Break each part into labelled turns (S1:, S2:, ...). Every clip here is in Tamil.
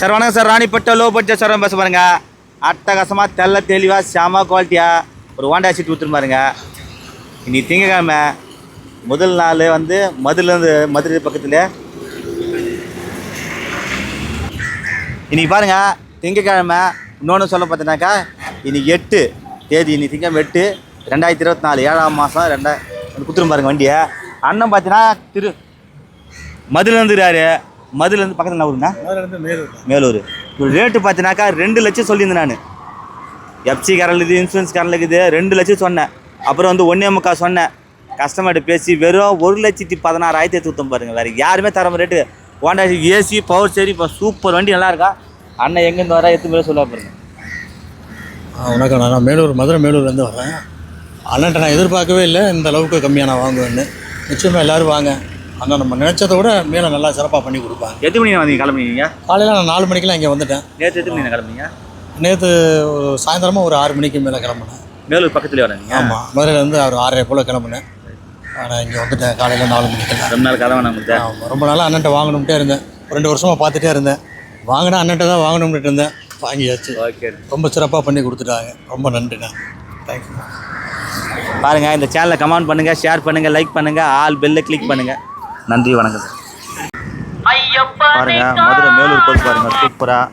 S1: சார் வணக்கம் sir. Ranipet low budget sir பேச பாருங்க. அட்டகாசமாக தெல்ல தெளிவாக செம குவாலிட்டியாக ஒரு ஹோண்டா சீட் கொடுத்துரு பாருங்க. இன்னைக்கு திங்கக்கிழமை முதல் நாள் வந்து மதுரை பக்கத்தில். இன்றைக்கி பாருங்கள் திங்கக்கிழமை. இன்னொன்று சொல்ல பார்த்தீங்கன்னாக்கா இன்றைக்கி 8 தேதி. இன்னைக்கு திங்கக்கிழமை 8 2024 7ஆம் மாதம் கொடுத்துரு பாருங்க வண்டியை. அண்ணன் பார்த்தீங்கன்னா மதுலேருந்துறாரு. மதுலேருந்து பக்கத்தில் என்ன ஊருங்கண்ணா? மேலூர். ஒரு ரேட்டு பார்த்தீங்கன்னாக்கா 2 லட்சம் சொல்லியிருந்தேன் நான். எஃப்சி காரில் இருக்குது, இன்சூரன்ஸ் காரில் இருக்குது. 2 லட்சம் சொன்னேன். அப்புறம் வந்து 1.25 சொன்னேன். கஸ்டமர்கிட்ட பேசி வெறும் 1,16,000 எடுத்து பாருங்கள். வேறு யாருமே தர ரேட்டு. ஹோண்டா ஏசி பவர் சரி இப்போ சூப்பர் வண்டி நல்லா இருக்கா. அண்ணன் எங்கேருந்து வர எத்தனை பேர் சொல்ல பாருங்க.
S2: வணக்கம். நான் மதுரை மேலூர்லேருந்து வரேன். அண்ணன்ட்ட நான் எதிர்பார்க்கவே இல்லை இந்த அளவுக்கு கம்மியாக நான் வாங்குவேன்னு. நிச்சயமாக எல்லோரும் வாங்க. ஆனால் நம்ம நினச்சதை விட மேலே நல்லா சிறப்பாக பண்ணி கொடுப்பாங்க.
S1: எத்தனை மணி வந்தீங்க கிளம்புனீங்க?
S2: காலையில் நான் 4 மணிக்கெலாம் இங்கே வந்துட்டேன்.
S1: நேற்று எத்தனை மணி கிளம்புனீங்க?
S2: நேற்று சாயந்தரமாக ஒரு 6 மணிக்கு மேலே கிளம்புனேன்.
S1: மேலூர் பக்கத்துலேயே வரீங்க?
S2: ஆமாம், மதுரையிலேருந்து ஒரு 6:30 போல் கிளம்புனேன். நான் இங்கே வந்துட்டேன் காலையில் 4 மணிக்கு.
S1: ரொம்ப நாள் கதை வேணாம்.
S2: ஆமாம், ரொம்ப நாளாக அண்ணன்ட்ட வாங்கணும்ட்டே இருந்தேன். 2 வருஷமாக பார்த்துட்டே இருந்தேன். வாங்கினா அண்ணன்ட்ட தான் வாங்கணும்ட்டு இருந்தேன். வாங்கியாச்சு.
S1: ஓகே, ரொம்ப
S2: சிறப்பாக பண்ணி கொடுத்துட்டாங்க. ரொம்ப நன்றிண்ணா. தேங்க்யூ.
S1: பாருங்கள், இந்த சேனலை கமெண்ட் பண்ணுங்கள், ஷேர் பண்ணுங்கள், லைக் பண்ணுங்கள், ஆல் பெல்லை கிளிக் பண்ணுங்கள். நன்றி, வணக்கம் சார். பாருங்கள் மதுரை மேலூர் போய் பாருங்கள். சூப்பராக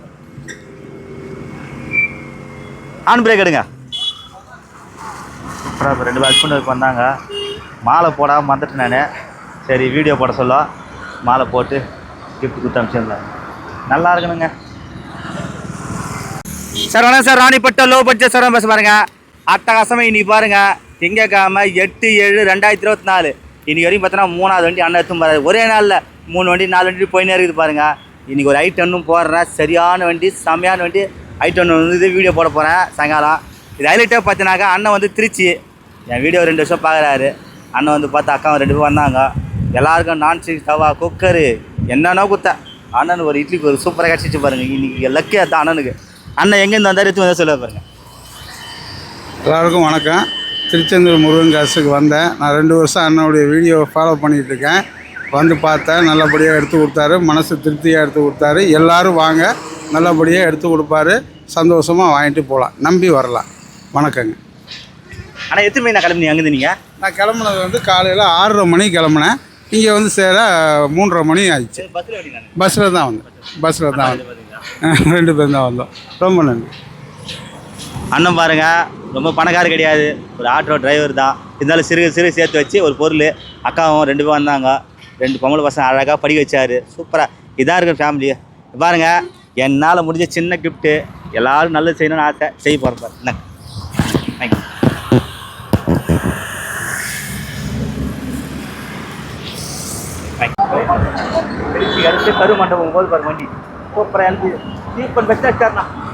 S1: ஆன் பிரேக் எடுங்க. சூப்பராக இப்போ 2 ஹஸ்பண்டுக்கு வந்தாங்க. மாலை போடாமல் வந்துட்டு நான். சரி வீடியோ போட சொல்ல மாலை போட்டு கிஃப்ட் கொடுத்து அனுப்பிச்சிருந்தேன். நல்லா இருக்கணுங்க சார். வணக்கம் sir. Ranipet low budget sir பேச பாருங்க. அட்டகாசமாக இன்னைக்கு பாருங்கள் திங்கக்கிழமை 8/7/2024. இன்றைக்கி வரைக்கும் பார்த்தோன்னா 3ஆவது வண்டி அண்ணன் எடுத்து பாரு. ஒரே நாளில் 3 வண்டி 4 வண்டி போயினே இருக்குது பாருங்கள். இன்றைக்கி ஒரு i10 போடுறேன். சரியான வண்டி, செம்மையான வண்டி. i10 வந்து வீடியோ போட போகிறேன் சாயங்காலம். இது ஹைலைட்டாக பார்த்தினாக்கா அண்ணன் வந்து திருச்சி. என் வீடியோ 2 வருஷம் பார்க்குறாரு. அண்ணன் வந்து பார்த்தா அக்காவும் 2 பேர் வந்தாங்க. எல்லாருக்கும் நான்ஸ்டிக் தவா குக்கரு என்னென்னா கொடுத்தேன். அண்ணனுக்கு ஒரு இட்லிக்கு ஒரு சூப்பராக கிடச்சிச்சு பாருங்கள். இன்றைக்கி லக்கே தான் அண்ணனுக்கு. அண்ணன் எங்கேருந்து வந்தார் எடுத்து வந்தால் சொல்ல பாருங்கள்.
S3: எல்லாருக்கும் வணக்கம். திருச்செந்தூர் முருகன் காசுக்கு வந்தேன். நான் 2 வருஷம் அண்ணனுடைய வீடியோவை ஃபாலோ பண்ணிகிட்ருக்கேன். வந்து பார்த்தேன், நல்லபடியாக எடுத்து கொடுத்தாரு. மனசு திருப்தியாக எடுத்து கொடுத்தாரு. எல்லோரும் வாங்க, நல்லபடியாக எடுத்து கொடுப்பாரு. சந்தோஷமாக வாங்கிட்டு போகலாம், நம்பி வரலாம். வணக்கங்க.
S1: ஆனால் எத்தனை மணி நான் கிளம்பி அங்கே நீங்கள்?
S3: நான் கிளம்புனது வந்து காலையில் 6:30 மணிக்கு கிளம்புனேன். இங்கே வந்து சேர 3:30 மணி ஆயிடுச்சு. பஸ்ஸில் தான் வந்தேன். 2 பேரும் தான் வந்தோம். ரொம்ப நன்றி.
S1: அண்ணன் பாருங்கள், ரொம்ப பணக்கார கிடையாது, ஒரு ஆட்டோ டிரைவர் தான். இருந்தாலும் சிறு சேர்த்து வச்சு ஒரு பொருள். அக்காவும் 2 பேர் வந்தாங்க. 2 பொம்பளை பசங்க அழகாக படிக்க வச்சார். சூப்பராக இதாக இருக்கிற ஃபேமிலி. பாருங்கள், என்னால் முடிஞ்ச சின்ன கிஃப்ட்டு. எல்லோரும் நல்லது செய்யணும்னு ஆசை. செய்ய போகிறேன். என்ன தேங்க்யூ. அடுத்து கரு மண்டபம் போது பாருங்க வண்டி சூப்பராக எனக்கு சீப்பன் பெஸ்ட்டாக சார்ண்ணா.